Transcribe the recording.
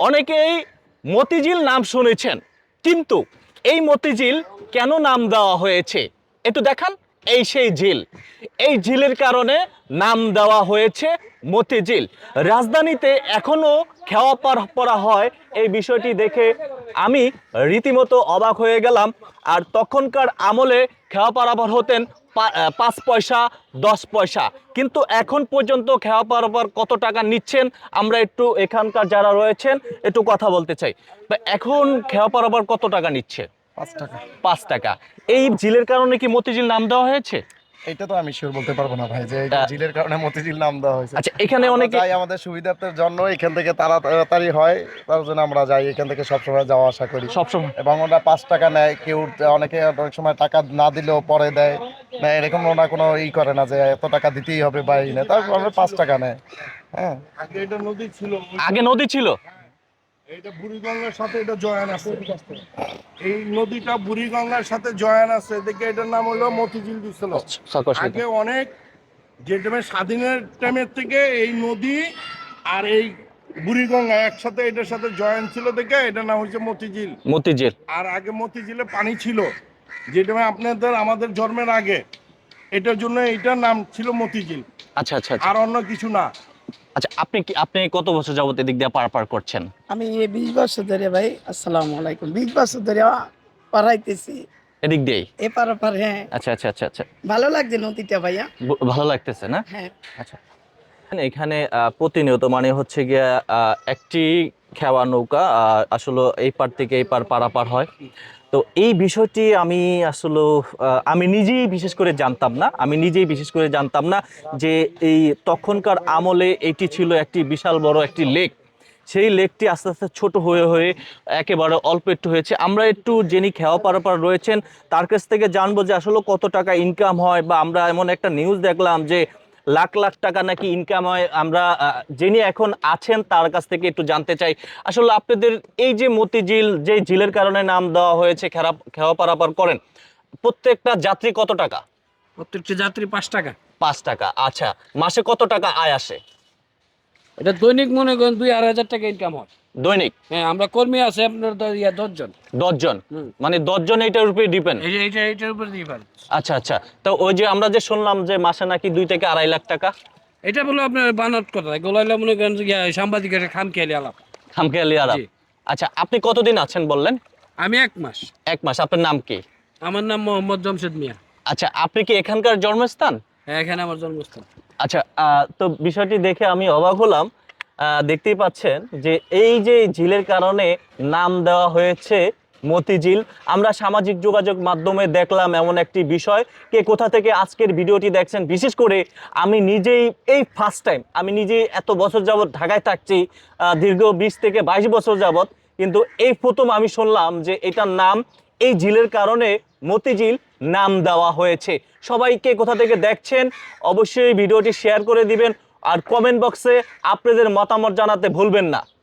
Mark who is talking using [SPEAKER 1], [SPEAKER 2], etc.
[SPEAKER 1] অনেকেই মতিঝিল নাম শুনেছেন, কিন্তু এই মতিঝিল কেন নাম দেওয়া হয়েছে একটু দেখান। এই সেই ঝিল, এই ঝিলের কারণে নাম দেওয়া হয়েছে মতিঝিল। রাজধানীতে এখনো খেওয়া পড়া হয়, এই বিষয়টি দেখে আমি রীতিমতো অবাক হয়ে গেলাম। আর তখনকার আমলে খেওয়া পারাপার হতেন 5 পয়সা 10 পয়সা, কিন্তু এখন পর্যন্ত খেওয়া পারাপার কত টাকা নিচ্ছেন আমরা একটু এখানকার যারা রয়েছেন একটু কথা বলতে চাই। তো এখন খেওয়া পারাপার কত টাকা নিচ্ছে?
[SPEAKER 2] 5 টাকা।
[SPEAKER 1] 5 টাকা। এই ঝিলের কারণে কি মতিঝিল নাম দেওয়া হয়েছে?
[SPEAKER 2] এটা তো আমি শিওর বলতে পারবো না ভাই যে এটা ঝিলের কারণে মতিঝিল নাম দেওয়া হয়েছে।
[SPEAKER 1] আচ্ছা, এখানে
[SPEAKER 2] আমরা
[SPEAKER 1] অনেকে
[SPEAKER 2] যাই আমাদের সুবিধার্থের জন্য, এখান থেকে তাড়াতাড়ি হয় তার জন্য আমরা যাই, এখান থেকে সবসময় যাওয়া আসা করি।
[SPEAKER 1] সবসময়
[SPEAKER 2] এবং ওরা 5 টাকা নেয়, কেউ অনেকে অনেক সময় টাকা না দিলেও পরে দেয় না, এরকম ওরা কোনো করে না যে এত টাকা দিতেই হবে বা এই নেই, তারপর 5 টাকা নেয়। হ্যাঁ,
[SPEAKER 3] আগে এটা নদী ছিল,
[SPEAKER 1] আগে নদী ছিল।
[SPEAKER 3] এটা বুড়িগঙ্গার সাথে এটা জয়েন আছে। এই নদীটা বুড়িগঙ্গার সাথে জয়েন আছে দেখে এটার নাম হলো মতিঝিল দিছিল। আগে অনেক যে টাইমে স্বাধীনের টাইমের থেকে এই নদী আর এই বুড়িগঙ্গা একসাথে এটার সাথে জয়েন ছিল দেখে এটার নাম হচ্ছে মতিঝিল।
[SPEAKER 1] মতিঝিল।
[SPEAKER 3] আর আগে মতিঝিলে পানি ছিল, যে টাইমে আপনাদের আমাদের জন্মের আগে, এটার জন্য এটার নাম ছিল মতিঝিল,
[SPEAKER 1] আচ্ছা আচ্ছা আচ্ছা।
[SPEAKER 3] আর অন্য কিছু না।
[SPEAKER 1] আচ্ছা, আপনি কত বছর যাবত এদিক দিয়ে পারাপার করছেন?
[SPEAKER 4] আমি এই 20 বছর ধরে ভাই, আসসালামু আলাইকুম, 20 বছর ধরে পড়াইতেছি
[SPEAKER 1] এদিক দিয়েই?
[SPEAKER 4] এপার ওপার। হ্যাঁ,
[SPEAKER 1] আচ্ছা আচ্ছা আচ্ছা আচ্ছা।
[SPEAKER 4] ভালো লাগছে নদীটা ভাইয়া।
[SPEAKER 1] ভালো লাগতেছে না?
[SPEAKER 4] হ্যাঁ,
[SPEAKER 1] আচ্ছা, এখানে প্রতিনিয়ত মানে হচ্ছে গিয়া একটি খেওয়া নৌকা আসলে এই পার থেকে এই পার পারাপার হয়। তো এই বিষয়টি আমি আসলে আমি নিজেই বিশেষ করে জানতাম না যে এই তখনকার আমলে এটি ছিল একটি বিশাল বড় একটি লেক। সেই লেকটি আস্তে আস্তে ছোট হয়ে হয়ে একেবারে অল্প একটু হয়েছে। আমরা একটু যিনি খেওয়া পারাপার রয়েছেন তার কাছ থেকে জানবো যে আসলে কত টাকা ইনকাম হয়, বা আমরা এমন একটা নিউজ দেখলাম যে লাখ লাখ টাকা নাকি ইনকাম হয়। আমরা যিনি এখন আছেন তার কাছ থেকে একটু জানতে চাই আসলে আপনাদের এই যে মতিঝিল, যে ঝিলের কারণে নাম দেওয়া হয়েছে, খেওয়া পারাপার করেন, প্রত্যেকটা যাত্রী কত টাকা?
[SPEAKER 5] প্রত্যেকটা যাত্রী 5 টাকা।
[SPEAKER 1] 5 টাকা। আচ্ছা, মাসে কত টাকা আয় আসে?
[SPEAKER 5] এটা দৈনিক মনে করেন 2-2,500 টাকা ইনকাম হয়।
[SPEAKER 1] দৈনিক?
[SPEAKER 5] হ্যাঁ, আমরা কর্মী আছে আপনার 10 জন।
[SPEAKER 1] 10 জন? মানে 10 জন এইটার উপরে ডিপেন্ড?
[SPEAKER 5] এইটার উপর দিয়ে পারে।
[SPEAKER 1] আচ্ছা আচ্ছা। তো ওই যে আমরা যে শুনলাম যে মাসে নাকি 2 থেকে 2.5 লাখ টাকা?
[SPEAKER 5] এটা বলো আপনার বানাত কথা, গোলাইলা মনে করেন যে সাংবাদিকের খামখেয়ালি আলাপ।
[SPEAKER 1] খামখেয়ালি আলাপ।
[SPEAKER 5] জি।
[SPEAKER 1] আচ্ছা, আপনি কতদিন আছেন বললেন?
[SPEAKER 5] আমি 1 মাস।
[SPEAKER 1] 1 মাস। আপনার নাম কি?
[SPEAKER 5] আমার নাম মোহাম্মদ জমশেদ মিয়া।
[SPEAKER 1] আচ্ছা, আপনি কি এখানকার জন্মস্থান?
[SPEAKER 5] হ্যাঁ, এখানে আমার জন্মস্থান।
[SPEAKER 1] আচ্ছা, তো বিষয়টি দেখে আমি অবাক হলাম। দেখতেই পাচ্ছেন যে এই যে ঝিলের কারণে নাম দেওয়া হয়েছে মতিঝিল। আমরা সামাজিক যোগাযোগ মাধ্যমে দেখলাম এমন একটি বিষয়। কে কোথা থেকে আজকের ভিডিওটি দেখছেন, বিশেষ করে আমি নিজেই এই ফার্স্ট টাইম, আমি নিজেই এত বছর যাবৎ ঢাকায় থাকছি, দীর্ঘ 20 থেকে 22 বছর যাবৎ, কিন্তু এই প্রথম আমি শুনলাম যে এটার নাম এই ঝিলের কারণে মতিঝিল নাম দেওয়া হয়েছে। সবাইকে কোথা থেকে দেখছেন অবশ্যই ভিডিওটি শেয়ার করে দিবেন, আর কমেন্ট বক্সে আপনাদের মতামত জানাতে ভুলবেন না।